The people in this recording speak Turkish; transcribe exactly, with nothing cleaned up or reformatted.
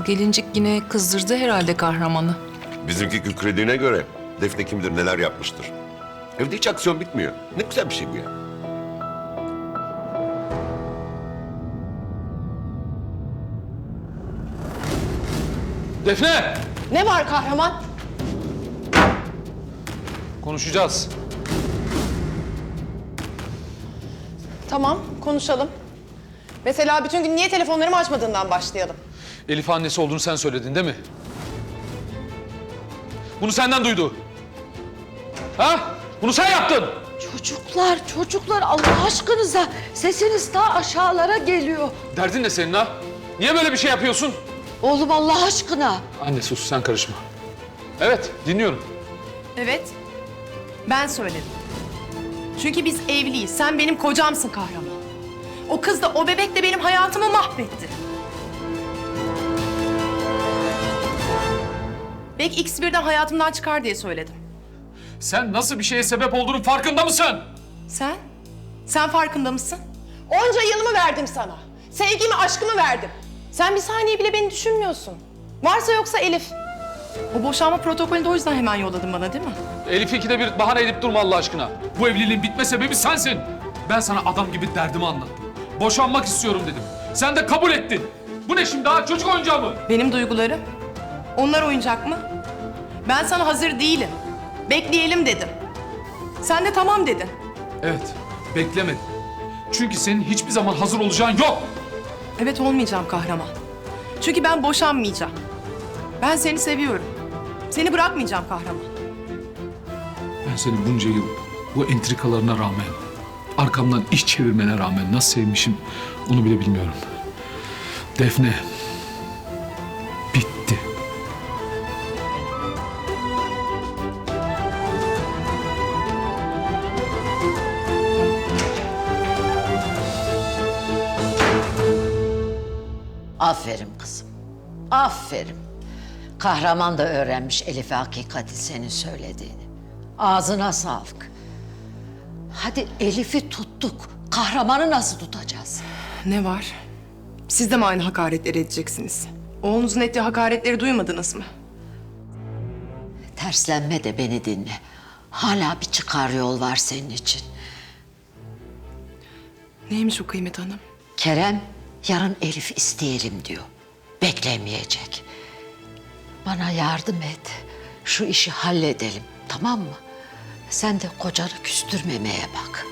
Bu gelincik yine kızdırdı herhalde kahramanı. Bizimki kükrediğine göre Defne kimdir, neler yapmıştır. Evde hiç aksiyon bitmiyor. Ne güzel bir şey bu ya. Defne! Ne var kahraman? Konuşacağız. Tamam, konuşalım. Mesela bütün gün niye telefonlarımı açmadığından başlayalım. Elif annesi olduğunu sen söyledin değil mi? Bunu senden duydu. Ha? Bunu sen yaptın. Çocuklar, çocuklar Allah aşkınıza sesiniz daha aşağılara geliyor. Derdin ne senin ha? Niye böyle bir şey yapıyorsun? Oğlum Allah aşkına. Anne sus, sen karışma. Evet, dinliyorum. Evet, ben söyledim. Çünkü biz evliyiz, sen benim kocamsın kahraman. O kız da o bebek de benim hayatımı mahvetti. Belki ikisi birden hayatımdan çıkar diye söyledim. Sen nasıl bir şeye sebep olduğunun farkında mısın? Sen? Sen farkında mısın? Onca yılımı verdim sana. Sevgimi, aşkımı verdim. Sen bir saniye bile beni düşünmüyorsun. Varsa yoksa Elif. O boşanma protokolünü de o yüzden hemen yolladın bana değil mi? Elif'i ikide bir bahane edip durma Allah aşkına. Bu evliliğin bitme sebebi sensin. Ben sana adam gibi derdimi anlattım. Boşanmak istiyorum dedim. Sen de kabul ettin. Bu ne şimdi ha? Çocuk oyuncağı mı? Benim duygularım. Onlar oyuncak mı? Ben sana hazır değilim. Bekleyelim dedim. Sen de tamam dedin. Evet, beklemedim. Çünkü senin hiçbir zaman hazır olacağın yok. Evet, olmayacağım kahraman. Çünkü ben boşanmayacağım. Ben seni seviyorum. Seni bırakmayacağım kahraman. Ben seni bunca yıl bu entrikalarına rağmen, arkamdan iş çevirmene rağmen nasıl sevmişim onu bile bilmiyorum. Defne, bitti. Aferin kızım. Aferin. Kahraman da öğrenmiş Elif'e hakikati senin söylediğini. Ağzına sağlık. Hadi Elif'i tuttuk. Kahramanı nasıl tutacağız? Ne var? Siz de mi aynı hakaretleri edeceksiniz? Oğlunuzun ettiği hakaretleri duymadınız mı? Terslenme de beni dinle. Hala bir çıkar yol var senin için. Neymiş o Kıymet Hanım? Kerem yarın Elif isteyelim diyor. Beklemeyecek. Bana yardım et. Şu işi halledelim, tamam mı? Sen de kocanı küstürmemeye bak.